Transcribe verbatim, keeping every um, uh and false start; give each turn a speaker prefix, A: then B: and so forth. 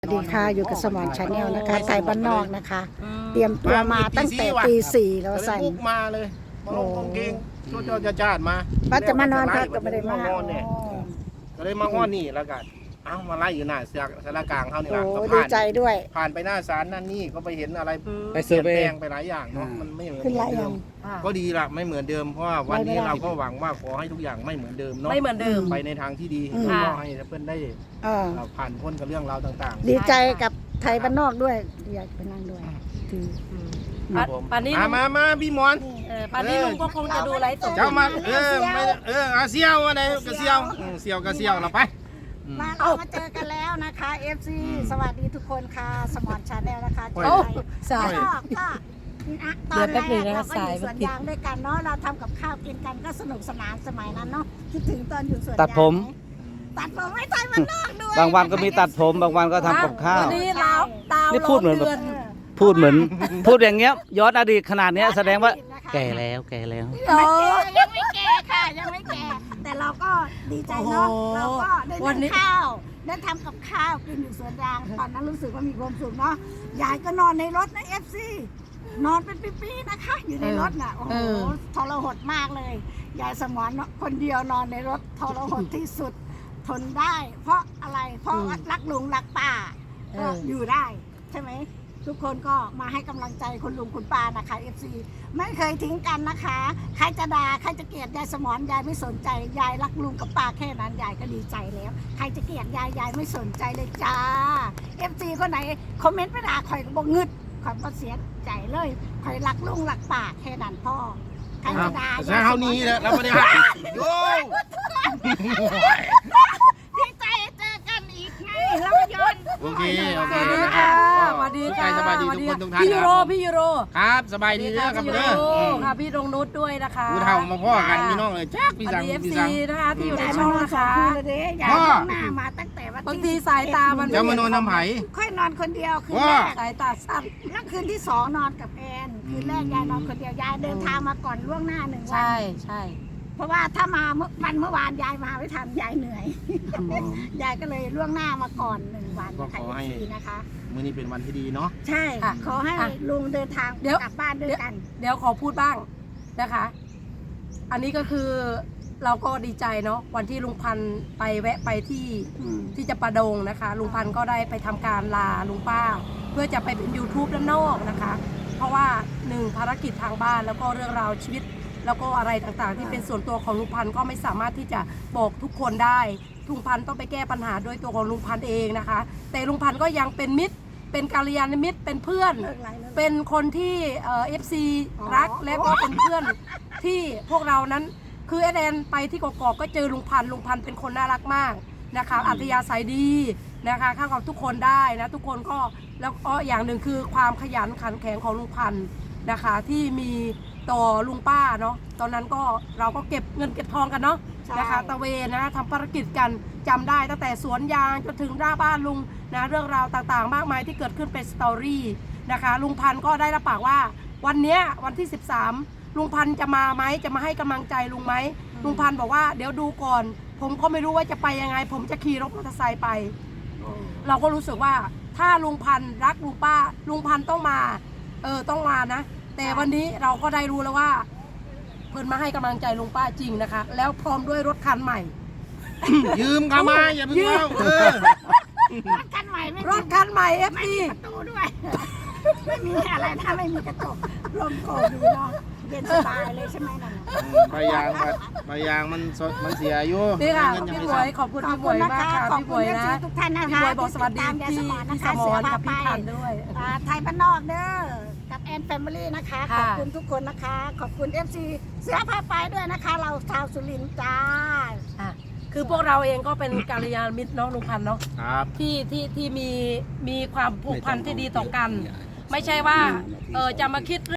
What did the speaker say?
A: สวัสดีค่ะอยู่กับสมอนชาแนลนะคะไทยบ้านนอกนะคะ เตรียมตัวมาตั้งแต่ตีสี่แล้วสั่น
B: บุกมาเลยมาลงกางเกงชุดจะจาดมา
A: ว่าจะมานอนพักก็ไม่ได้มา
B: เนี่ยก็เลยมาห้อนนี่แล้วกันเอ้ามาไล่อยู่หน้าสารกลางเขานี่
A: โอ้
B: ละก็
A: ดี
B: ผ่าน
A: ใจด้วย
B: ผ่านไปหน้าศาลนั่นนี่ก็ไปเห็นอะไร
C: ไปเซอร์เวย์
B: ปลี่ยนแปลงไปหลายอย่างเนาะมันไม่เหมือน
A: ขึ้นหลายอ
B: เดิ
A: ย่าง
B: มก็ดีละไม่เหมือนเดิมเพราะว่าวันนี้เราก็หวังว่าขอให้ทุกอย่างไม่เหมือนเดิมเนาะ
D: ไม่เหมือนเดิม
B: ไปในทางที่ดี
A: อืม
B: แล้วก็ให้เพื่อนได้
A: เออ
B: ผ่านพ้นกับเรื่องราวต่างๆ
A: ดีใจกับไทยบ้านนอกด้วยอยากไปนั่งด้วยถือ
B: ครับผม
D: ป่านนี้
B: มามามาพี่หมอน
D: เออป่านนี้ลุงก็คงจะดูไลฟ์สด
B: เจ้ามาเออไม่เอออาเซียวอะไรกระเซียวอืมเซียวกระเซียวเราไปอืม
A: มาเรามาเจอกันแล้วนะคะ เอฟ ซี สวัสดีทุกคนค่ะสมอนชาแนลนะคะ
B: โอ้ย
A: เจอไทย
D: สาย
A: ก็ก็นะตอนแรกเราก็อยู่สวนยางด้วยกันเนาะเราทำกับข้าวกินกันก็สนุกสนานสมัยนั้นเนาะคิดถึงตอนอยู่สวนยาง
C: ตัดผม
A: ตัดผมไม่ใช่มันนอกด้วย
C: บางวันก็มีตัดผมบางวันก็ทำกับข้าว
D: วันนี้เราดาว
C: นี่พูดเหมือนแบบ
D: เดือน
C: พูดเหมือน พูดอย่างเงี้ยย้อนอดีตขนาดเนี้ยแสดงว่าแก่แล้วแก่แล้ว
D: โอ้
A: ยังไม่แก่ค่ะยังไม่แก่แต่เราก็ดีใจเนาะ
D: โอ้โห
A: เราก็ได้
D: วันนี้
A: ทำข้าวได้ทำกับข้าวกินอยู่สวนยางตอนนั้นรู้สึกว่ามีความสุขเนาะยายก็นอนในรถนะเอฟซีนอนเป็นปีๆนะคะ อยู่ในรถน่ะโอ้โหทรหดมากเลยยายสมอนคนเดียวนอนในรถทรหดที่สุดทนได้ เพราะอะไรเพราะรักลุงรักป้าก็อยู่ได้ใช่ไหมทุกคนก็มาให้กำลังใจคุณลุงคุณป้านะคะ เอฟ ซี ไม่เคยทิ้งกันนะคะ ใครจะด่าใครจะเกลียดยายสมอนยายไม่สนใจยายรักลุงกับป้าแค่นั้นยายก็ดีใจแล้ว ใครจะเกลียดยายยายไม่สนใจเลยจ้า เอฟ ซี คนไหนคอมเมนต์ไปด่าข่อยก็บอกงึดข่อยก็เสียใจเลยข่อยรักลุงรักป้าแค่นั้นพ่อใครจะด่า
B: ใช่เท่านี้แหละเราไม่ได้หักโย่
A: ดีใจเจอกันอีกไงเรายนต์
B: โอเคโอ
D: ส
B: เค
D: วัสดี
B: นะค
D: ค่ะ
B: รับ
D: สวัสดีค่ะ
B: สบายดีทุกคนทุกท่าน
D: พี่ยูโร
B: ครับ
D: พี่ยูโร
B: ครับสบายดีเด้อครับ
D: พี่
B: เด้
D: ยู
B: อ
D: โร
B: อืม
D: ค่ะพี่ดงนุชด้วยนะคะ
B: ผู้เฒ่ามาพ่อกันพี่น้องเลยจ้าพี่
D: ส
B: สั
D: วั
B: ง
D: สดีเอฟ
B: พี่
D: ซี
B: สัง
D: นะคะที่อยู่ใน
A: ยาย
D: ช่
A: มา
D: อง
A: นอน
D: นะ
A: สอง
D: คะ
A: คืนเลยเด้ยาย
B: พ่อ
A: ต้องหน้ามาตั้งแต่วัน
D: บาง
A: ที่
D: ทีสายตามัน
B: จะมานอนน้ำไผ่
A: ค่อยนอนคนเดียวคืน
B: ว่า
A: แรก
D: สายตาสั้น
A: แล้วคืนที่สองนอนกับแอนคืนแรกยายนอนคนเดียวยายเดินทางมาก่อนล่วงหน้าหนึ่งวั
D: ใช่ใช่
A: เพราะว่าถ้ามาเมื่อวันเมื่อวานยายมาไม่ทันยายเหนื่อยยายก็เลยล่วงหน้ามาก่อนหนึ่งวัน
B: ก็ขอให้
A: ทีนะคะ
B: มื้อนี้เป็นวันที่ดีเนาะ
A: ใช่ขอให้ลุงเดินทางกลับบ้านด้วยกัน
D: เดี๋ยวขอพูดบ้างนะคะ อันนี้ก็คือเราก็ดีใจเนาะวันที่ลุงพันธุ์ไปแวะไปที่
A: อืม
D: ที่จะประดงนะคะ ลุงพันธุ์ก็ได้ไปทำการลาลุงป้า เพื่อจะไปเป็น YouTube ด้านนอกนะคะ เพราะว่าหนึ่งภารกิจทางบ้านแล้วก็เรื่องราวชีวิต แล้วก็อะไรต่างๆ ที่เป็นส่วนตัวของลุงพันธุ์ก็ไม่สามารถที่จะบอกทุกคนได้ลุงพันธุ์ต้องไปแก้ปัญหาด้วยตัวของลุงพันธุ์เองนะคะ แต่ลุงพันธุ์ก็ยังเป็นมิตร เป็นกัลยาณมิตรเป็นเพื่อน
A: เลิกไลฟ์เลิกไลฟ์
D: เป็นคนที่เอ่อฟซี
A: อ๋อ
D: รักและก็เป็นเพื่อนที่พวกเรานั้นคือแอดแอนไปที่กอกๆก็เจอลุงพันธุ์ลุงพันธุ์เป็นคนน่ารักมากนะคะอัธยาศัยดีนะคะเข้ากับทุกคนได้นะทุกคนก็แล้วก็อย่างหนึ่งคือความขยันขันแข็งของลุงพันธุ์นะคะที่มีต่อลุงป้าเนาะตอนนั้นก็เราก็เก็บเงินเก็บทองกันเนาะนะคะตะเวนนะทำภารกิจกันจำได้ตั้งแต่สวนยางจนถึงหน้าบ้านลุงนะเรื่องราวต่างๆ มากมายที่เกิดขึ้นเป็นสตอรี่นะคะลุงพันธุ์ก็ได้รับปากว่าวันเนี้ยวันที่สิบสามลุงพันธุ์จะมาไหมจะมาให้กำลังใจลุงไหมลุงพันธุ์บอกว่าเดี๋ยวดูก่อน ผมก็ไม่รู้ว่าจะไปยังไง ผมจะขี่รถมอเตอร์ไซค์ไป เราก็รู้สึกว่าถ้าลุงพันธุ์รักลุงป้าลุงพันธุ์ต้องมาเออต้องมานะแต่วันนี้เราก็ได้รู้แล้วว่า เพิ่นมาให้กำลังใจลุงป้าจริงนะคะ แล้วพร้อมด้วยรถคันใหม่
B: ยืมกันมาอย่าเพิ่งเอาเออ
A: รถคันใหม่ไม่
D: รถคันใหม่เอฟ
A: ไม่
D: ซี
A: มีประตูด้วย ไม่มีอะไรถ้าไม่มีกระจกลมโกยดีเนาะเย็นสบายเลยใช่ไหมนั่นน่ะ
B: ใบยางบัดใบยางมันสดมันเสียอยู่
D: นี่ค่ะ
B: เงินยัง
D: พี่
B: ไม่
D: บวย
B: ส่ง
D: ขอบคุณ
A: ขอบ
D: พี่บ
A: คุ
D: วย
A: ณนะ
D: มาก
A: คะ
D: ค่ะ
A: ขอบ
D: พี่บ
A: คุ
D: ว
A: ณ
D: ย
A: เอฟ
D: นะ
A: ซีทุกท่านนะ
D: พี่
A: คะ
D: บวยบอกสวัสดี
A: ที่ติตามยาย
D: พี่
A: สมอนนะ
D: พี่ส
A: คะ
D: ม
A: เสื
D: อ
A: อน พา
D: กับ
A: ไป
D: พี่พันธุ์ด้วย
A: อ่าไทยบ้านนอกเด้อกับแอนแฟมิลี่นะคะ ข
D: ค่ะ
A: อบคุณทุกคนนะคะ ขอบคุณ เอฟ ซี เสือพาไปด้วยนะคะ เราชาวสุรินทร์จ้า
D: อ่ะคือพวกเราเองก็เป็นกัลยาณมิตรเน้องลุงพันธุ์เนาะ
B: ครับ
D: ที่ที่ที่มีมีความผูกพันที่ดีต่อกัน ไม่ใช่ว่าเออจะมาคิด